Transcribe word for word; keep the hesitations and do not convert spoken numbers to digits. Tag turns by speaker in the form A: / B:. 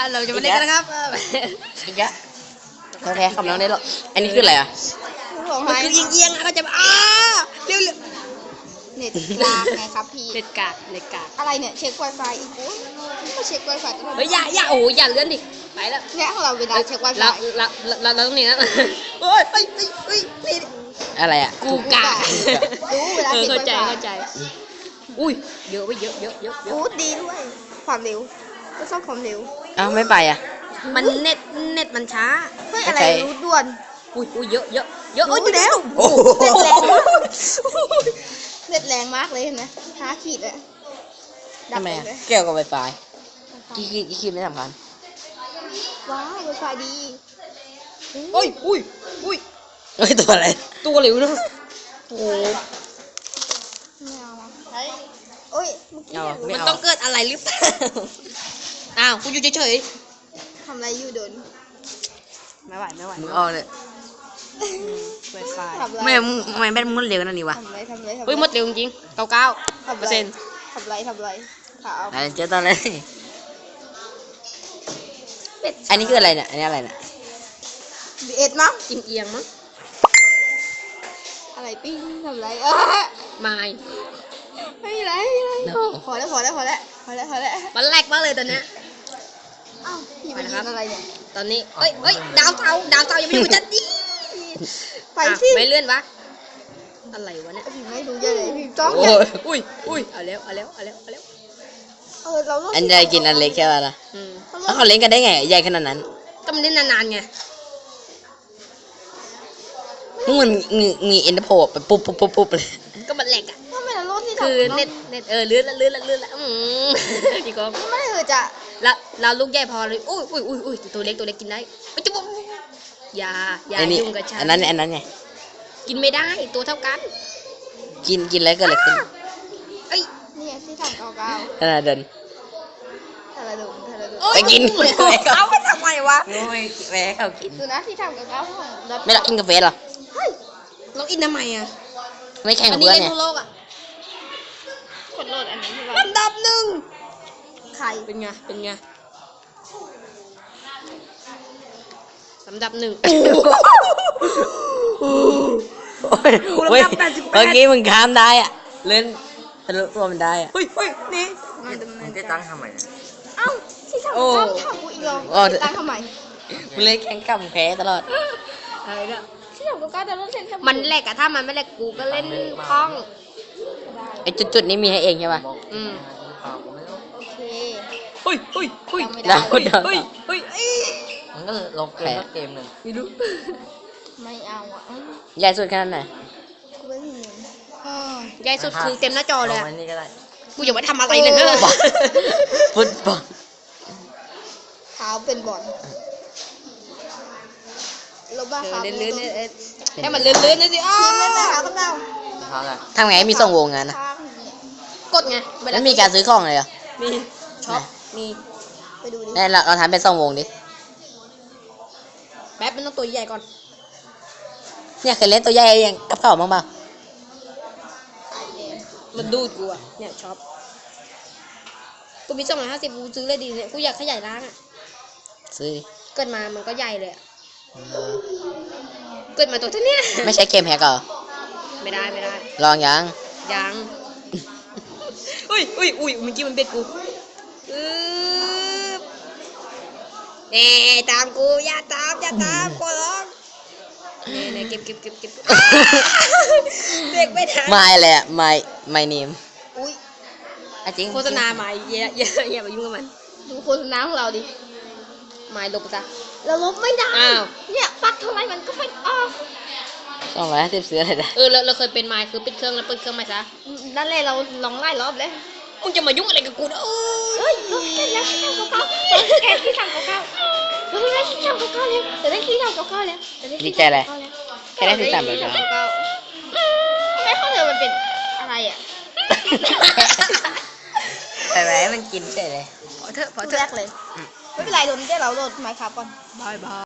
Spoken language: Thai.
A: เราจะมาเล่นกันนะครับ
B: อีกแล้วเราแพ้คำน้องได้หรออันนี้คืออะไรอ่ะ
A: มันคือเอียงๆนะก็จะอ้าเร็ว
C: เน็ตกลางไงครับพี่
A: ๆเล็ดกาดเล็ดกาด
C: อะไรเนี่ยเช็ค Wi-Fi อีกโอ้ยมาเช็ค Wi-Fi ตลอด
A: เฮ้ยอย่าอย่าโอ้อย่าเลื่อนดิไปแล้ว
C: เนี่ยของเราเวลาเช็ค Wi-Fi
A: เราเราเราเราต้องนี่นะเฮ้ยเฮ้ยเฮ้ยนี่
B: อะไรอ่ะ
A: กูกา
C: รู้เวลาเช็ค
A: เข้าใจ
C: Wi-Fi
A: เข้าใจอุ้ยเยอะไปเยอะเยอะเยอะเย
C: โอ้
A: อะ
C: ดีด้วยความเร็วก็ชอบความเร็ว
B: อ้าวไม่ไปอ่ะ
A: มันเน็ตเน็ตมันช้า
C: เฮ้ยอะไรรู้ด่วน
A: อุ้ยอุ้ยเยอะเยอะเยอะ
C: รู้ไปแล้ว
B: โอ้โห
C: เน็ตแรงมากเลยเห็นไหมห้าขีดเลยดั
B: ทำ
C: บ
B: ไม
C: ไป
B: อ่ะ
C: เลย
B: เกี่ยวกับไวไฟกี่ขีดกี่ขีดไม่สำคัญ
C: ว้าว Wi-Fi ดี
A: โอ้ยอุ้ยอุ้ย
B: เฮ้ยตัวอะไร
A: ตัวเหลวนะโอ้
C: ไม่เอาละโอ้ยเมื่อกี้
B: เอา
C: เนี่ย
B: ไม่
A: มัน
B: เอา
A: ต้องเกิดอะไรหรือเปล่าอ้าวกูอยู่เฉย
C: ทำอะไรอยู่โดน
A: ๆไม่ไหวไม่ไหว
B: มึงเอาเลย
A: ไวไฟ
C: ทำอะไร
B: ไม่มึงทำไมแบตมึงเร็วนั่นนี่วะ
C: ทำอะไรทำอะไรทำอะไร
A: เฮ้ยหมดเร็วจริงๆเก้าเก้าเปอร์เซ็นต์
C: ทำอะไรทำอะไรขาว
B: อะไรเจอตอนเลยอันนี้คืออะไรเนี่ยอันนี้อะไรเนี่ย
C: บีเอ็ดมั้ง
A: กินเอียงมั้ง
C: อะไรปิ้งทำอะไรเออ
A: ไม่
C: ไม่มีอะไรไม่มีอะไรพอแล้วพอแล้วพอแล้วพอแล้วพอแล้ว
A: มันแรกมากเลยตอนเนี้ย
C: อ้าวพี่ไปยืนอะไรเนี่ย
A: ตอนนี้เอ้ยเอ้ยดาวเตาดาวเตายังไม่อยู่จัดดิ
C: ไปสิ
A: ไม่เลื่อนวะอะไรวะเนี่ย
C: พี่ไม่รู้จะเลยพี่จ้อง
B: โอ้
C: อย่าย
A: อุ้ยอุ้ยเอาแล้วเอาแล้วเอาแล้วเอาแล้ว
C: เออเราต้อง
B: อันใหญ่กินอันเล็กแค่ว่าละ
A: อืม
B: แล้วเขาเล่นกันได้ไงใหญ่ขนาดนั้น
A: ก็มันเล่นนานๆไง
B: มึงมันมีมีเอ็นเตอร์โพไปปุ๊บปุ๊บปุ๊บปุ๊บเลย
A: ก็มันแหลกอ่ะ
C: ทำไมเราโลดที่
A: คือเน็ตเน็ตเออเลื่อนละเลื่อนละเลื่อนละอืมดีกว่า
C: ไม่ได้คือจะ
A: แล้วเราลูกใหญ่พอเลยอุ้ยอุ้ยอุ้ยอุ้ยตัวเล็กตัวเล็กกินได้ไม่จะบอกอย่าอย่า
B: ไอ้นี่
A: ยุ่งกับฉัน
B: อันนั้นอันนั้นไง
A: กินไม่ได้ตัวเท่ากัน
B: กินกินแล้วเกิดอะไรขึ้น
A: เอ้ย
C: เนี่ยที่ทำเก่าเก่า
B: ขนาดเดิน
C: ทาราดุทาราดุ
B: ไปกิน
A: เอาไปทำไมวะ
B: โอ้ยแม่เขากิน
C: ดูนะที่ทำเก่าเก่าของเรา
B: ไม่รักกินกาแฟหรอ
C: เฮ้ย
A: เราอินทำไมอ่ะ
B: ไม่แข่ง
A: อั
B: กับ
A: นนี้
B: เพื่อน
A: เล่น
B: เนี่ย
A: ทั่วโลกอ่ะ
C: กดโหลดอันนี้ใช่ไหม
A: ลำดับหนึ่ง
C: ใคร
A: เป็นไงเป็นไงลำดับหนึ่ง
B: โอ้ยเฮ้ยเมื่อกี้มึงข้ามได้อ่ะเล่นทะลุตัวมันได้อ่ะ
A: เฮ้ยเฮ้ยนี่
C: มาดำเนิน
B: จะ
C: กา
B: ตั้
C: รง
B: ทำไม
C: เอ้าที่ทำ
B: โอ้
C: เก่าทำกูอีกแล้ว
B: โอ้
C: ตั้งทำไม
B: มึงเล่นแข่งกับแพ้ตลอด
A: อะไรเนี่ย
C: ที่ทำเก่าเก่าแต่เราเล่นแค่
A: มันแหลกอะถ้ามันไม่แหลกกูก็เล่นคล่อง
B: ไอ้จุดๆนี้มีให้เองใช่ป่ะ
A: อืม
C: โอเค
A: เฮ้ยเฮ้ยเฮ้ย
C: จำไม่ได้
B: แล้วคนเดิน
A: เฮ้ยเฮ้ยเอ้ย
B: มันก็ลบเกมเกมหนึ่ง
A: ไม่รู้
C: ไม่เอาอ่ะเอ้า
B: ใหญ่สุดขนาดไหน
C: กูไม่มีเงิน
A: ใหญ่สุดคือเต็มหน้าจอเลยอะ
B: นี่ก็ได้
A: กูอย่ามาทำอะไรเลยเนอะ
B: ฟุตบอล
C: เท้าเป็นบอลลบบ้า
A: เอ
C: ครั
A: อบ เลื่อนๆเนี่ยเออให้มันเลื่อนๆนะสิอ้า
C: ทีมเล่นนะคะพวกเรา
B: ทำไงให้มีส่งวงงานนะ
C: ข้างเนี่ย
A: กดไงเวลา
B: แล้วมีการซื้อของเลยเหรอ
A: มีช็อปมี
C: ไปดูดิ
B: นี่เราเราทำเป็นส่งวงดิ
A: แป๊บมันต้องตัวใหญ่ก่อน
B: เนี่ยเคยเล่นตัวใหญ่ยังกับเขาบ้างเปล่า
A: มันดูดกูอะเนี่ยช็อปกูมีสองร้อยห้าสิบกูซื้อเลยดีเนี่ยกูอยากขยายร้านอะ
B: ซื้อดิ
A: เกิดมามันก็ใหญ่เลยอะเกิดมาตัวเท่าเนี้ย
B: ไม่ใช่เกมแฮกเหรอ
A: ไม่ได้ไม่ได้
B: ลองยัง
A: ยังอุ้ยอุ้ยอุ้ยเมื่อกี้มันเบ็ดกูอือเน่ตามกูอย่าตามอย่าตามกูร้องเน่เน่เก็บเก็บเก็บเก็บเด็กไม่ทัน
B: ไม่เลยอ่ะไม่ไม่เนม
C: อุ้ย
B: จริง
A: โฆษณาใหม่อย่าอย่าอย่าไปยุ่งกับมัน
C: ดูโฆษณาของเราดิ
A: ใหม่ลบไปซะ
C: เราลบไม่ได้
A: อ้าว
C: เนี่ยปักเท่าไหร่มันก็ไม่ออก
B: สองร้อยห้าสิบซื้ออะไรได้
A: เออเราเราเคยเป็นไม้คือปิดเครื่องแล้วเปิดเครื่องใหม่ซะ
C: นั่นแหละเราลองไล่รอบเลย
A: มึงจะมายุ่งอะไรกับกูนะเอ
C: เฮ้
A: ้
C: ย
A: ย
C: ลบเสร็จแล้วที่ทำเก่าๆแกที่ทำเก่าๆเราได้ที่ทำเก่าๆแล้วแต่ได้ที่ทำเก่าๆแล้วแต่ได้
B: ดี
C: ที่
B: ใจเลย
C: ทำเก่าๆแล้ว
B: แค่ได้ที่ต่ำเลย
C: ทำ
B: นะ
C: เก่าๆไม่เข้าใจมันเป็นอะไรอ่ะ
B: แต่แหมมันกินเฉยเลย
A: พอเถอะพอ
C: พูด
A: เถ
C: แร
A: อะ
C: กเลยไม่เป็นไรโดนเดี๋ยวเราโดนไมค์ครับก่อน
A: บายบาย